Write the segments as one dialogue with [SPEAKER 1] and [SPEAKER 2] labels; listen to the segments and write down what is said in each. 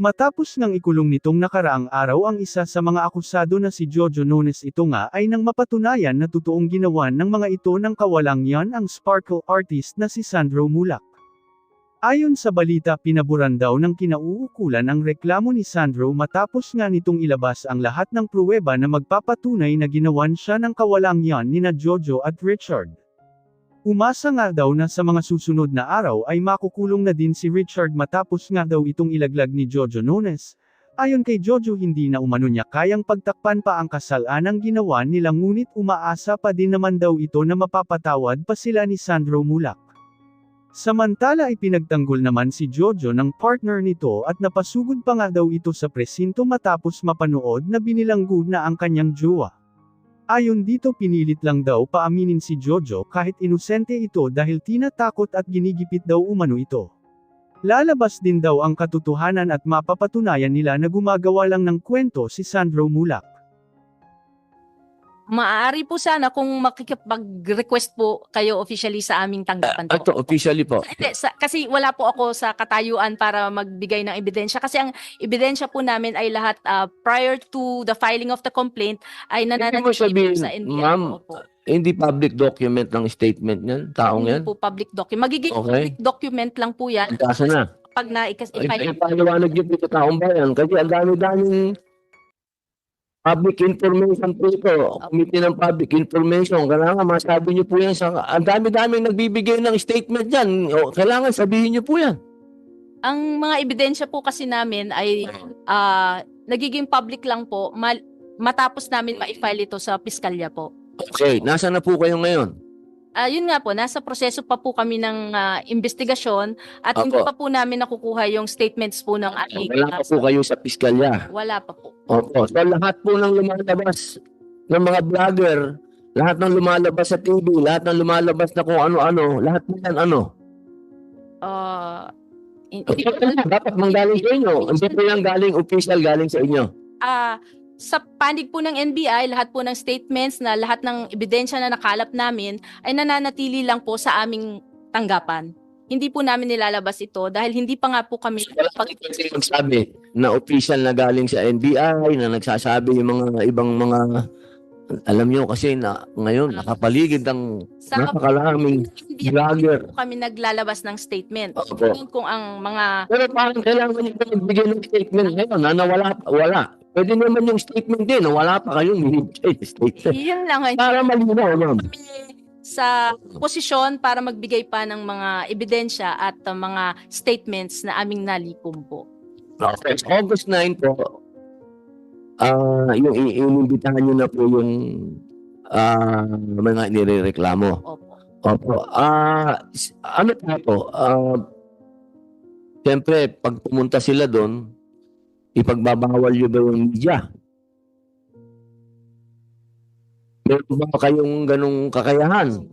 [SPEAKER 1] Matapos ngang ikulong nitong nakaraang araw ang isa sa mga akusado na si Jojo Nunes, ito nga ay nang mapatunayan na totoong ginawan ng mga ito ng kawalang-yan ang sparkle artist na si Sandro Mulak. Ayon sa balita, pinaburan daw ng kinauukulan ang reklamo ni Sandro matapos nga nitong ilabas ang lahat ng pruweba na magpapatunay na ginawan siya ng kawalang-yan nina Jojo at Richard. Umasa nga daw na sa mga susunod na araw ay makukulong na din si Richard matapos nga daw itong ilaglag ni Jojo Nunes. Ayon kay Jojo, hindi na umano niya kayang pagtakpan pa ang kasalanang ginawa nila, ngunit umaasa pa din naman daw ito na mapapatawad pa sila ni Sandro Mulak. Samantala ay pinagtanggol naman si Jojo ng partner nito at napasugod pa nga daw ito sa presinto matapos mapanood na binilanggo na ang kanyang jowa. Ayon dito, pinilit lang daw paaminin si Jojo kahit inosente ito dahil tinatakot at ginigipit daw umano ito. Lalabas din daw ang katotohanan at mapapatunayan nila na gumagawa lang ng kwento si Sandro Mulak.
[SPEAKER 2] Maaari po sana kung makikipag-request po kayo officially sa aming tanggapan po.
[SPEAKER 3] Ito, officially po.
[SPEAKER 2] Kasi wala po ako sa katayuan para magbigay ng ebidensya. Kasi ang ebidensya po namin ay lahat prior to the filing of the complaint ay
[SPEAKER 3] Hindi
[SPEAKER 2] nananatili
[SPEAKER 3] mo
[SPEAKER 2] po
[SPEAKER 3] sabihin,
[SPEAKER 2] sa NBI.
[SPEAKER 3] ma'am,
[SPEAKER 2] po.
[SPEAKER 3] hindi public document ng statement niyan, taong
[SPEAKER 2] Hindi
[SPEAKER 3] yan?
[SPEAKER 2] po public document. Magiging
[SPEAKER 3] Okay.
[SPEAKER 2] public document lang po yan
[SPEAKER 3] Kaso na.
[SPEAKER 2] pag
[SPEAKER 3] Ay, paliwanag niyo po sa taong bayan kasi ang dami-daming public information po ito. Committee ng Public Information. Kailangan masabi niyo po yan sa... Ang dami-daming nagbibigay ng statement yan. Kailangan sabihin niyo po yan.
[SPEAKER 2] Ang mga ebidensya po kasi namin ay nagiging public lang po matapos namin ma-file ito sa piskalya po.
[SPEAKER 3] Okay, nasa na po kayo ngayon?
[SPEAKER 2] Yun nga po, nasa proseso pa po kami ng investigasyon at hindi
[SPEAKER 3] Opo.
[SPEAKER 2] pa po namin nakukuha yung statements po ng aming...
[SPEAKER 3] Wala pa po kayo sa piskalya.
[SPEAKER 2] Wala pa po.
[SPEAKER 3] Opo. So lahat po ng lumalabas ng mga vlogger, lahat ng lumalabas sa TV, lahat ng lumalabas na kung ano-ano, lahat po yan ano?
[SPEAKER 2] Hindi po
[SPEAKER 3] Dapat manggaling sa inyo. Hindi po yan galing official, galing sa inyo.
[SPEAKER 2] sa panig po ng NBI, lahat po ng statements na lahat ng ebidensya na nakalap namin ay nananatili lang po sa aming tanggapan. Hindi po namin nilalabas ito dahil hindi pa nga po kami...
[SPEAKER 3] Wala kasi magsabi na official na galing sa NBI, na nagsasabi yung mga ibang mga... Alam nyo kasi na ngayon nakapaligid ang napakalaming
[SPEAKER 2] Hindi
[SPEAKER 3] vlogger.
[SPEAKER 2] po kami naglalabas ng statement.
[SPEAKER 3] Opo.
[SPEAKER 2] Kung ang mga...
[SPEAKER 3] Pero parang kailangan nyo pa magbigay ng statement ngayon na wala. Pwede naman yung statement din na wala pa kayong binibigay statement.
[SPEAKER 2] Yun lang ay
[SPEAKER 3] Para malinaw, ma'am.
[SPEAKER 2] kami sa posisyon para magbigay pa ng mga ebidensya at mga statements na aming nalikom po.
[SPEAKER 3] Okay. August 9 po, yung inimbitahan nyo na po yung mga nirereklamo.
[SPEAKER 2] Opo.
[SPEAKER 3] Opo. Ano pa po? Siyempre, pag pumunta sila doon, ipagbabawal nyo ba yung media? Meron ba kayong ganong kakayahan?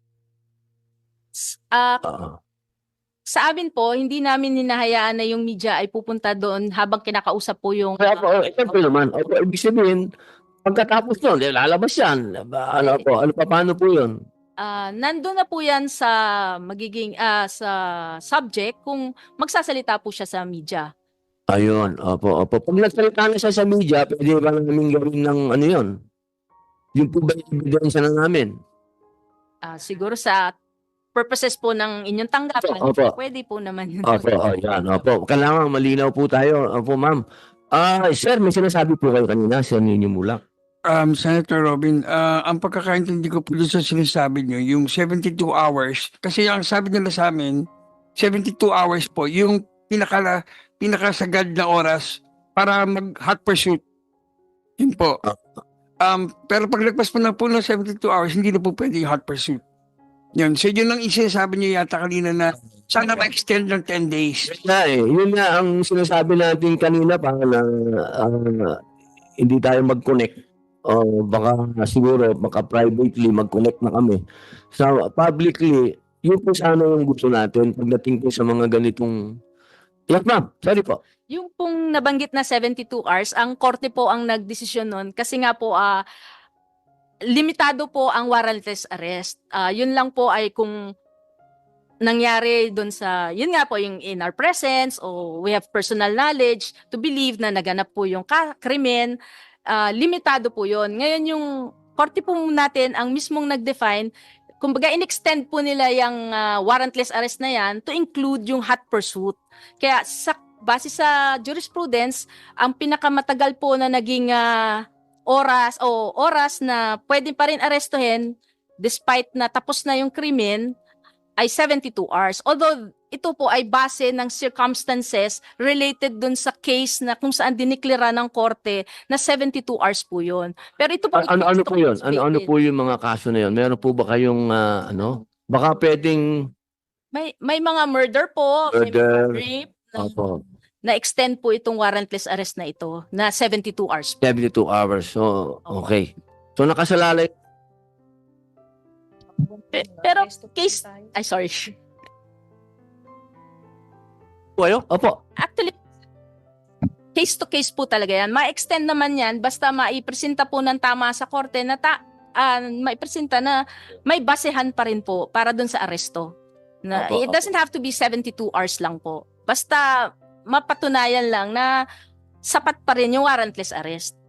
[SPEAKER 2] Sa amin po, hindi namin hinahayaan na yung media ay pupunta doon habang kinakausap po yung...
[SPEAKER 3] Kaya po, siyempre naman, opo, ibig sabihin, pagkatapos nun, lalabas yan. Paano po yun?
[SPEAKER 2] Nandun na po yan sa magiging sa subject kung magsasalita po siya sa media.
[SPEAKER 3] Ayun, opo. Pag nagsalita na siya sa media, pwede ba namin gawin ng ano yun? Yung po ba yung ebidensya na namin?
[SPEAKER 2] Siguro sa purposes po ng inyong tanggapan,
[SPEAKER 3] Opo.
[SPEAKER 2] pwede po naman yun.
[SPEAKER 3] Opo. Kailangan malinaw po tayo. Opo, ma'am. Sir, may sinasabi po kayo kanina, Sir Nino Mulak.
[SPEAKER 4] Senator Robin, ang pagkakaintindi ko po doon sa sinasabi niyo, yung 72 hours, kasi ang sabi nila sa amin, 72 hours po, yung pinakasagad na oras para mag-hot pursuit. Yun po. Pero pag lagpas po ng 72 hours, hindi na po pwede yung hot pursuit. Yun. So yun lang sinasabi niyo yata kanina na sana ma-extend ng 10 days.
[SPEAKER 3] Yun nga ang sinasabi natin kanina pa na hindi tayo mag-connect. Baka siguro privately mag-connect na kami. So publicly, yun po sana yung gusto natin pagdating po sa mga ganitong... Yes, ma'am. Sorry po.
[SPEAKER 2] Yung pong nabanggit na 72 hours, ang korte po ang nagdesisyon nun kasi nga po limitado po ang warrantless arrest. Yun lang po ay kung nangyari doon sa, yun nga po, yung in our presence o we have personal knowledge to believe na naganap po yung krimen, limitado po yun. Ngayon yung korte po natin ang mismong nag-define, kumbaga in-extend po nila yung warrantless arrest na yan to include yung hot pursuit. Kaya base sa jurisprudence, ang pinakamatagal po na naging oras na pwede pa rin arestuhin despite na tapos na yung krimen ay 72 hours. Although ito po ay base ng circumstances related dun sa case na kung saan diniklara ng korte na 72 hours po yun. Pero ito po
[SPEAKER 3] Ano po yun? Ano po yung mga kaso na yun? Meron po ba kayong baka pwedeng
[SPEAKER 2] may mga murder po, may
[SPEAKER 3] Murder.
[SPEAKER 2] mga rape,
[SPEAKER 3] opo,
[SPEAKER 2] na-extend po itong warrantless arrest na ito na 72 hours.
[SPEAKER 3] 72 hours. So, okay. So nakasalalay
[SPEAKER 2] Pero case, ay sorry.
[SPEAKER 3] po kayo? Opo.
[SPEAKER 2] Actually, case to case po talaga yan. Ma-extend naman yan basta maipresenta po ng tama sa korte na maipresenta na may basehan pa rin po para dun sa aresto. Na,
[SPEAKER 3] Opo,
[SPEAKER 2] it doesn't have to be 72 hours lang po. Basta mapatunayan lang na sapat pa rin yung warrantless arrest.